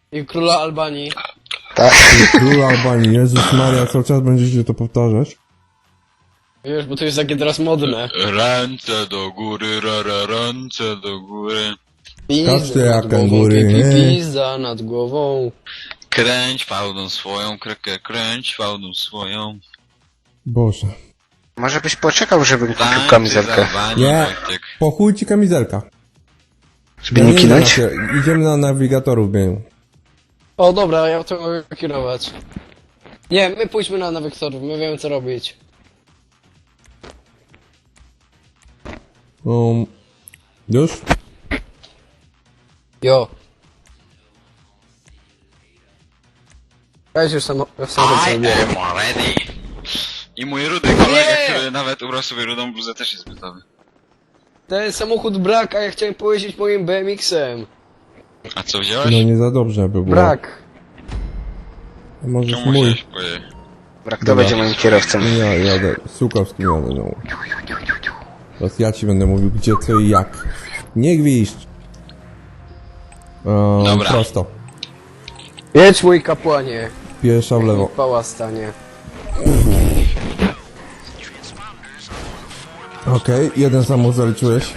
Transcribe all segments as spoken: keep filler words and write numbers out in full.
I króla Albanii. Tak. Król Albanii, Jezus Maria, cały czas będziecie to powtarzać? Wiesz, bo to jest takie teraz modne. Ręce do góry, ra, ra, ręce do góry. Każdy Pizda jak nad głową, kangury, pi, pi, nie? Pizda nad głową. Kręć fałdą swoją, krekę, kręć fałdą swoją. Boże. Może byś poczekał, żebym kupił Tańczy kamizelkę. zawani, Nie. Wojtek. Po chuj ci kamizelka. Żeby Ja nie wiem, kinąć? że na- Idziemy na nawigatorów, biegu. O dobra, ja to mogę kierować. Nie, my pójdźmy na nawyktorów, my wiemy co robić. Um, już? Jo. Ja już samo, w samochód I zrobiłem. am ready. I mój rudy kolega, Nie! który nawet ubrał sobie rudą bluzę, też jest gotowy. Ten samochód brak, a ja chciałem pojeździć moim B M X-em. A co wziąłeś? No nie za dobrze by było. Brak. A możesz Czemu mój. musiałeś poje... Brak, kto będzie moim kierowcą? Ja jadę, Sukowski jadę, no. Teraz ja ci będę mówił gdzie, co i jak. Nie gwizdź. Um, Dobra. Prosto. Jedź mój kapłanie. Piesza w lewo. Pała stanie. Okej, jeden samochód zaliczyłeś.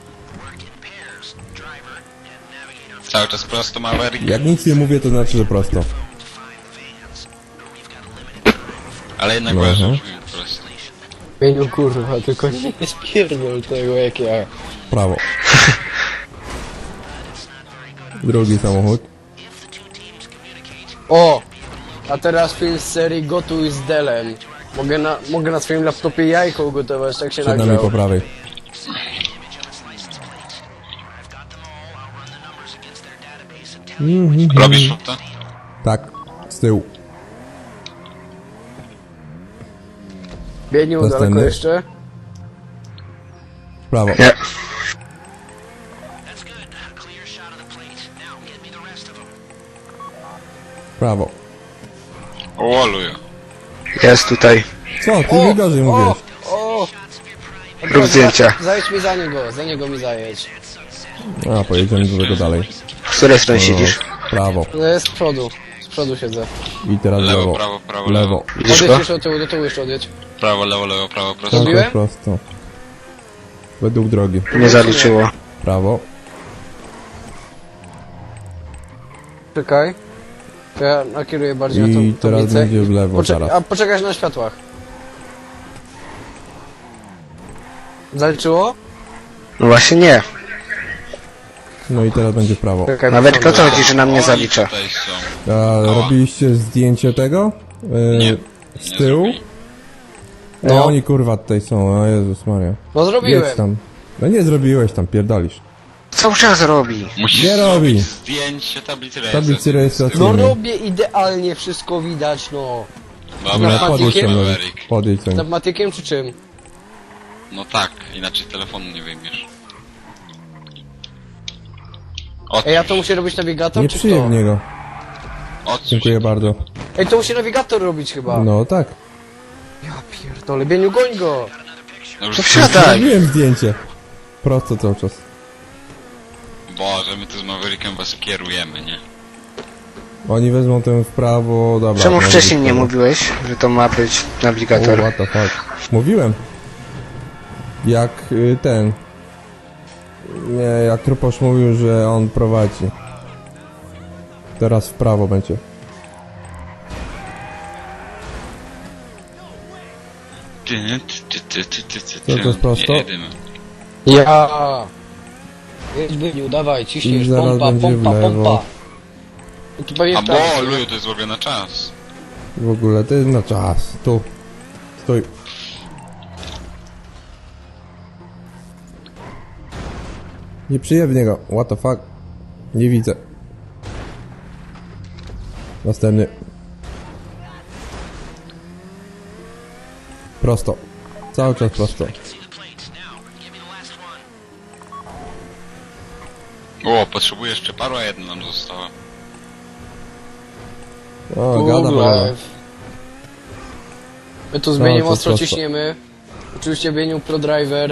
Cały czas prosto Maverick, Jak nic nie mówię, to znaczy, że prosto. ale jednak No, ważne, aha. że prosto. Mieniu kurwa, tylko nie spierdol tego jak ja. Prawo. Drugi samochód. O! A teraz film z serii Gotuj z Delem. Mogę na, mogę na swoim laptopie jajko ugotować, tak się Przed nami po nagrał. prawej. Mhm. Robisz to? Tak, z tyłu. Bieniu, daleko Następny. jeszcze? W prawo. Nie. W prawo. O, luju. Jest tutaj. Co, ty mi gorzej mówiłeś. O! Rób zdjęcia. Zajedź mi za niego, za niego mi zajedź. A, pojedziemy do tego dalej. W której stronie siedzisz? W prawo. No jest z przodu. Z przodu siedzę. I teraz Lewo, lewo. prawo, prawo, Lewo. Widzisz Odjedź go? jeszcze do tyłu, do tyłu jeszcze odjedź. Prawo, lewo, lewo, prawo, prosto. Cały Zrobiłem? czas prosto. Według drogi. Nie zaliczyło. Prawo. Czekaj. To ja nakieruję bardziej na I tą teraz tablicę. będzie w lewo Poczek- zaraz. A poczekaj na światłach. Zaliczyło? No właśnie nie. No i teraz będzie w prawo. Czekaj, Nawet wsiądę. kto co chodzi, że nam nie Oni zalicza? tutaj są. A, robiliście zdjęcie tego? Yy, Nie. Z Nie tyłu? zrobili. No. No. Oni kurwa tutaj są, o Jezus Maria. No Jedź zrobiłem. tam. No nie zrobiłeś tam, pierdolisz. Cały czas robi. Musisz Nie zrobić robi. zdjęcie tablicy Tablicy rejestracji. No rejestracyjnej. robię idealnie, wszystko widać, no. Dobra, No, podjedź Matikiem? tam, no, Maverick. podjedź tam. Pneumatykiem czy czym? No tak, inaczej telefonu nie wyjmiesz. Odsuń Ej, ja to się. muszę robić nawigator, Nie czy przyjem kto? w niego. Odsuń Dziękuję się. bardzo. Ej, to musi nawigator robić chyba. No tak. Ja pierdolę, Bieniu, goń go! No już To wsiadaj. Zrobiłem zdjęcie. Prosto cały czas. Boże, my tu z Maverickiem was kierujemy, nie? Oni wezmą ten w prawo, dobra. Czemu no, wcześniej w nie prawo. mówiłeś, że to ma być O, nawigator? what the fuck. Mówiłem. Jak y, ten... Nie, jak Truposz mówił, że on prowadzi. Teraz w prawo będzie. Ty, ty, ty, ty, ty, ty, Co, to jest prosto? Nie jedymy. Ja! Jedź, Bieniu, dawaj, I ciśniesz, zaraz pompa, będzie w pompa, lewo. pompa. No tu pewnie A w prawo. bo, luju, to jest w ogóle na czas. W ogóle, to jest na czas. Tu. Stój. Nie przyjem w niego. What the fuck? Nie widzę. Następny. Prosto. Cały czas prosto. O, potrzebuję jeszcze paru, a jedna nam została. O, gada Google panowie. Live. My tu z Bieniem to ostro prosto. ciśniemy. Oczywiście Bieniu pro driver.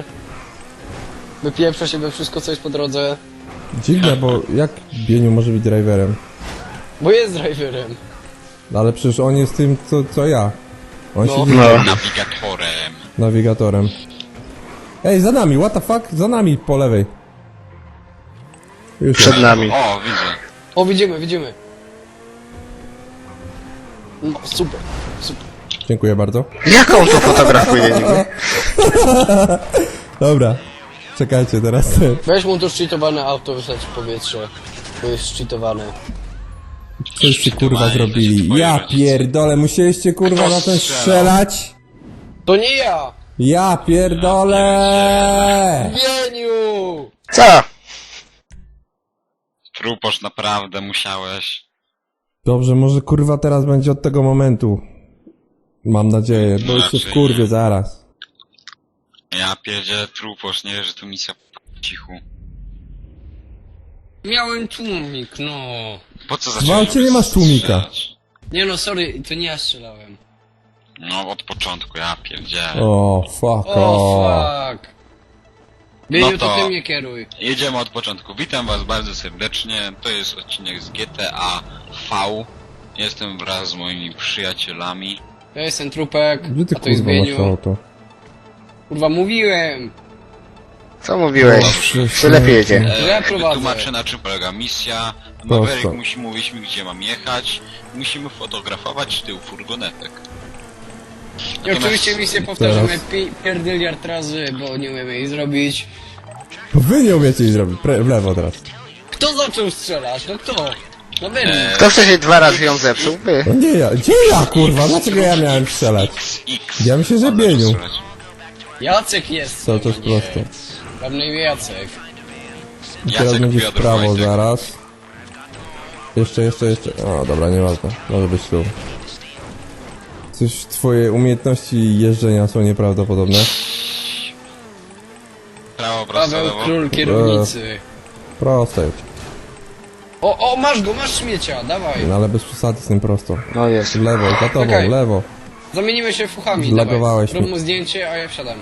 Wypieprza się we wszystko, co jest po drodze. Dziwne, bo jak Bieniu może być driverem? Bo jest driverem. Ale przecież on jest tym, co, co ja. On No. siedzi No. Nawigatorem. nawigatorem. Ej, za nami, what the fuck? Za nami, po lewej. Już Przed jest. nami. O, widzę. O, widzimy, widzimy. No, super, super. Dziękuję bardzo. Jak on to fotografuje niby? Dobra. Czekajcie, teraz ten. Weź mu to szczytowane auto, wysłać w powietrze. To jest szczytowane. Coście kurwa zrobili. Ja pierdolę, musieliście kurwa na ten strzelać? To nie ja! Ja pierdolę! Wieniu! Co? Truposz, naprawdę musiałeś. Dobrze, może kurwa teraz będzie od tego momentu. Mam nadzieję, bo jeszcze w kurwie zaraz. Ja pierdzielę truposz, nie wiesz, że tu misja po cichu. Miałem tłumik, no. Po co W zacząłeś aucie nie masz tłumika. strzelać? Nie no, sorry, to nie ja strzelałem. No, od początku, ja pierdzielę. O, fuck O, off. fuck. Wieniu, No to... to- ty mnie kieruj. Jedziemy od początku. Witam was bardzo serdecznie. To jest odcinek z G T A V. Jestem wraz z moimi przyjacielami. Ja jestem trupek, Gdzie ty a to jest kurwa masz Wieniu. auto? Kurwa, mówiłem! Co mówiłeś? Dobrze, Czy lepiej jedzie? To ja E, prowadzę. Wytłumaczę, na czym polega misja. Prosto. Maverick musi mówić mi, gdzie mam jechać. Musimy fotografować tył furgonetek. I Natomiast- oczywiście misję powtarzamy Teraz. pi- pierdyliard razy, bo nie umiemy jej zrobić. Wy nie umiecie jej zrobić, Pre w lewo teraz. Kto zaczął strzelać? No kto? No Wieniu. E, Kto wcześniej dwa razy ją zepsuł? Wy. No nie ja, gdzie ja kurwa? Dlaczego ja miałem strzelać? X. Ja myślę, że Mam Bieniu. strzelać. Jacek jest. Cały czas a nie. prosto. Mam na imię Jacek. I teraz Jacek będzie w Piotr prawo Wojtek. zaraz. Jeszcze, jeszcze, jeszcze. O, dobra, nieważne. Może być tu. Coś, twoje umiejętności jeżdżenia są nieprawdopodobne. Prawo, prosto, Paweł lewo. Król kierownicy. Prosto jedź. O, o, masz go, masz śmiecia, dawaj. No ale bez przesady z tym prosto. No jest. W lewo, za tobą, Okej. w lewo. Zamienimy się fuchami, Zlagowałeś dawaj. Rób mnie. mu zdjęcie, a ja wsiadam.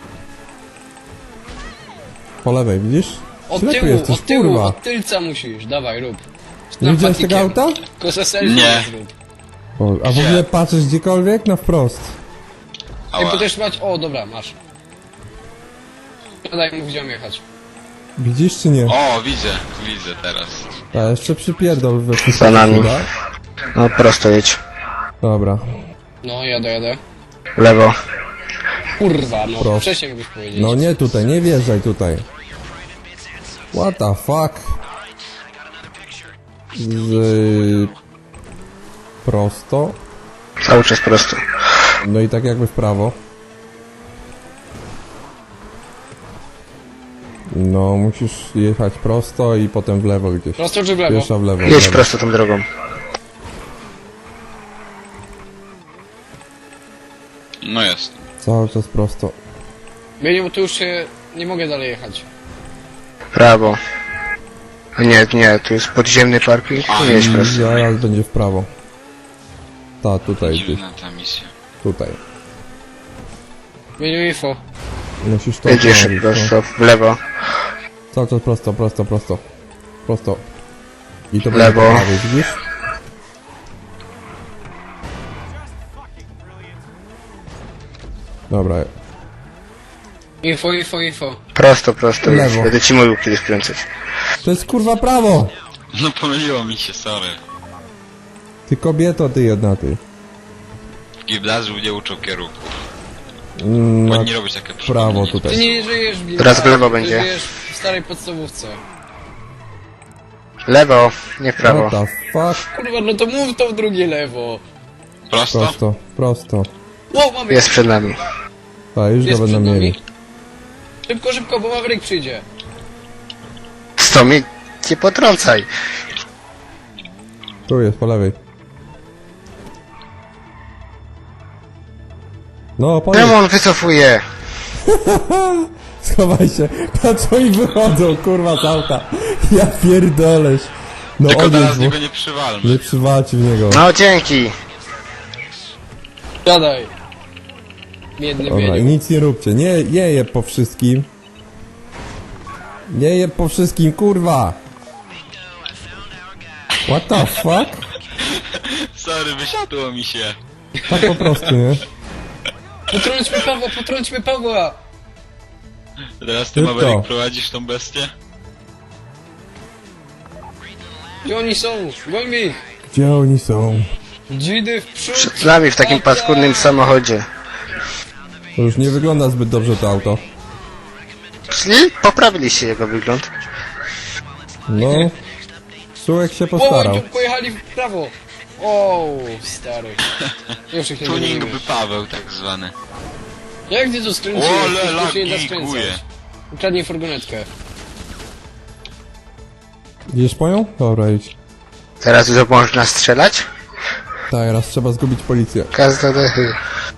Po lewej, widzisz? Od Ślepy tyłu, jesteś, od tyłu, kurwa. od tylca musisz, dawaj, rób. Nie widziałeś tego auta? Kosa selfie Nie. zrób. O, a w ogóle patrzysz gdziekolwiek? Na wprost. Ej, Ała. bo też mać, o, dobra, masz. Daj mu, gdzie mam jechać. Widzisz czy nie? O, widzę, widzę teraz. A jeszcze przypierdol we wszystko. Za nami. da? No prosto jedź. Dobra. No, jadę, jadę. Lewo. Kurwa, no, Proszę. wcześniej mógłbyś powiedzieć. No nie tutaj, nie wjeżdżaj tutaj. What the fuck? Z... Prosto. Cały czas prosto. No i tak jakby w prawo. No, musisz jechać prosto i potem w lewo gdzieś. Prosto czy w lewo? Pierwsza w lewo. w Jedź lewo. prosto tą drogą. No jest. Cały czas prosto. Bieniu, bo tu już się nie mogę dalej jechać. Prawo. Nie, nie, tu jest podziemny parking. Tu jedź I prosto. zaraz będzie w prawo. Ta, tutaj gdzieś. Dziwna ta misja. Tutaj. Bieniu, info. Musisz to Jedziesz zrobić, no. prosto w lewo. Cały czas prosto, prosto, prosto. Prosto. I to Lewo. będzie po prawej, widzisz? Dobra. Info, info, info. Prosto, prosto. Lewo. Jedź. Będę ci mówił kiedy skręcać. To jest kurwa prawo! No pomyliło mi się, sorry. Ty kobieto, ty jedna ty. W gimnazjum nie uczą kierunków. Mm, Bo na nie robić takie prawo przypomnienie. Ty tutaj. nie żyjesz w Teraz w lewo ty będzie. żyjesz w starej podstawówce. Lewo, nie w prawo. What the fuck? Kurwa, no to mów to w drugie lewo. Prosto? Prosto, prosto. Wow, mamy. Jest przed nami. A, już Jest go będą przed nami. mieli. Szybko, szybko, bo Maverick przyjdzie. Sto mi nie potrącaj. Tu jest, po lewej. No, po Czemu on wycofuje? Schowaj się. Patrz, oni wychodzą, kurwa, z auta. Ja pierdolesz. No, Tylko odjedź, teraz bo niego nie przywalmy. nie przywalcie w niego. No dzięki. Siadaj. Biedny Dobra, i Bieniu. nic nie róbcie. Nie, nie je po wszystkim. Nie je po wszystkim, kurwa. What the fuck? sorry, wysiadło mi się. Tak po prostu, nie? Potrąćmy Pawła, potrąćmy Pawła! Teraz ty, Szybko. Maverick, prowadzisz tą bestię? Gdzie oni są? Gońmy ich! Gdzie oni są? Dzidy w przód! Przed nami w takim Atak! paskudnym samochodzie. To już nie wygląda zbyt dobrze to auto. Czyli poprawiliście jego wygląd. No... Sułek się O, postarał. tu pojechali w prawo! O, stary. Już ich nie Tuning będę by Paweł, tak zwany. Jak ty to skręciłeś? Ole, To się nie da lagiguje. skręcać. Ukradnij furgonetkę. Idziesz po nią? Dobra, idź. Teraz już można strzelać? Tak, raz trzeba zgubić policję. Każda dechy.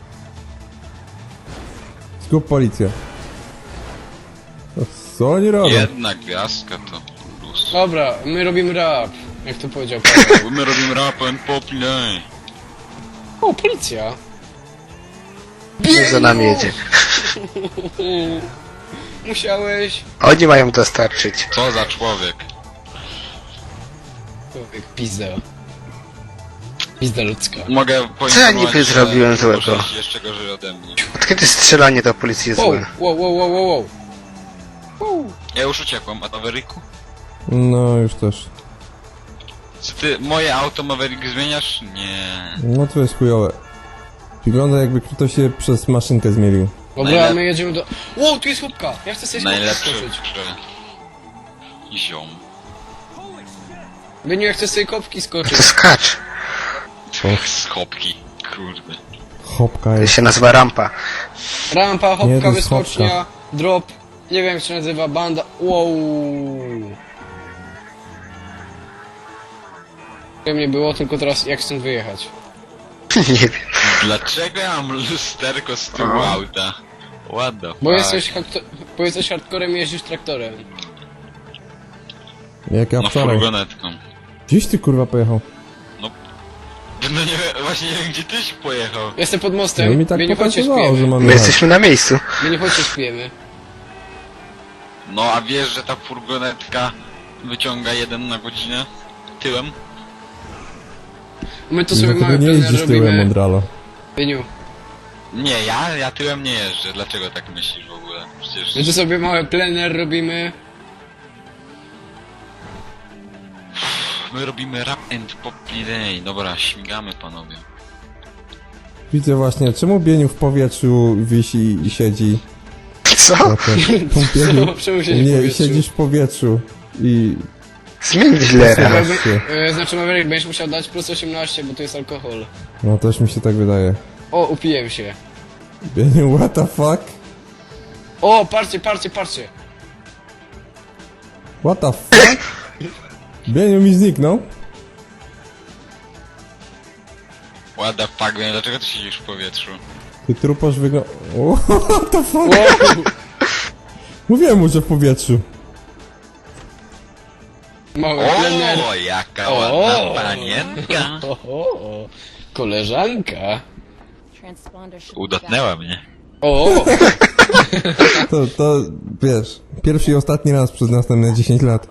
Zgub policję. To co oni robią? Jedna gwiazdka to plus. Dobra, my robimy rap. Jak to powiedział Paweł. Bo my robimy rap and poplay. O, policja! Niech za nami jedzie. Musiałeś... Oni mają dostarczyć. Co za człowiek. Człowiek, pizda. Pizda ludzka. Mogę Co ja niby poinformować, że zrobiłem złego? możesz jeszcze gorzej ode mnie. Od kiedy strzelanie do policji jest Wow, złe? wow, wow, wow, wow, wow. Wow. Ja już uciekłem, a Mavericku? No, już też. Czy ty moje auto Maverick zmieniasz? Nie. No to jest chujowe. Wygląda jakby ktoś się przez maszynkę zmielił. Dobra, Najlep- my jedziemy do... Wow, tu jest chłopka! Ja chcę sobie Najlepszy skoczyć. że... ziom. Byniu, ja chcę sobie kopki To skoczyć. skacz. Schopki, kurde. Hopka To jest. się nazywa rampa. Rampa, Nie, to hopka, jest wyskocznia, hopka. drop. Nie wiem jak się nazywa, banda. Wow. Nie mnie było, tylko teraz jak stąd wyjechać? Nie wiem. Dlaczego ja mam lusterko z tyłu auta? What the fuck? Bo jesteś, hakto- bo jesteś hardcorem i jeździsz traktorem. Jak ja No wczoraj. furgonetką. Gdzieś ty kurwa pojechał? No nie wiem, właśnie nie wiem gdzie tyś pojechał. Jestem pod mostem, No mi tak Bieniu, chodźcie pokazywało, że śpijemy. mamy My jechać. jesteśmy na miejscu. Bieniu, chodźcie śpijemy. No a wiesz, że ta furgonetka wyciąga jeden na godzinę? Tyłem? My tu sobie Dlatego mamy nie plener jeździsz tyłem, robimy. Mondralo. Bieniu, Nie, ja, ja tyłem nie jeżdżę. Dlaczego tak myślisz w ogóle? Przecież... my tu sobie mały plener robimy. My robimy rap and poplay. Dobra, śmigamy panowie. Widzę właśnie, czemu Bieniu w powietrzu wisi i siedzi? Co? No to- Bieniu, Co? Czemu siedzisz w nie, powietrzu? siedzisz w powietrzu i... Zmień dealera. Teraz Jakby- się. e, Znaczy Maverick, będziesz musiał dać plus osiemnaście, bo to jest alkohol. No też mi się tak wydaje. O, upiłem się. Bieniu, what the fuck? O, patrzcie, patrzcie, patrzcie. What the fuck? Bieniu mi zniknął. What the fuck, wiem, dlaczego ty siedzisz w powietrzu? Ty truposz wygląda... What the fuck? Wow. Mówiłem mu, że w powietrzu. Mały plener. O, jaka O. ładna panienka! O, o, o. Koleżanka. Transponder should be Udatnęła mnie. O, To, to, wiesz, pierwszy i ostatni raz przez następne dziesięć lat.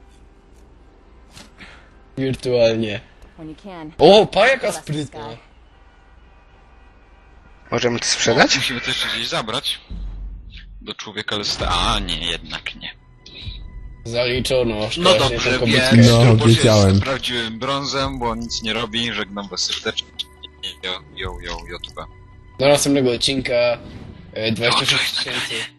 wirtualnie. back when you can. O, pa jaka sprytna. Możemy to sprzedać? Musimy to jeszcze gdzieś zabrać. Do człowieka lista. A, nie, jednak nie. Zaliczono. No szczęście dobrze, tylko więc bytkę. No, Truposz wiedziałem. jest prawdziwym brązem, bo nic nie robi. Żegnam was serdecznie. Jo, jo, jo, jo, tuba. Do następnego odcinka. e, dwadzieścia sześć tysięcy.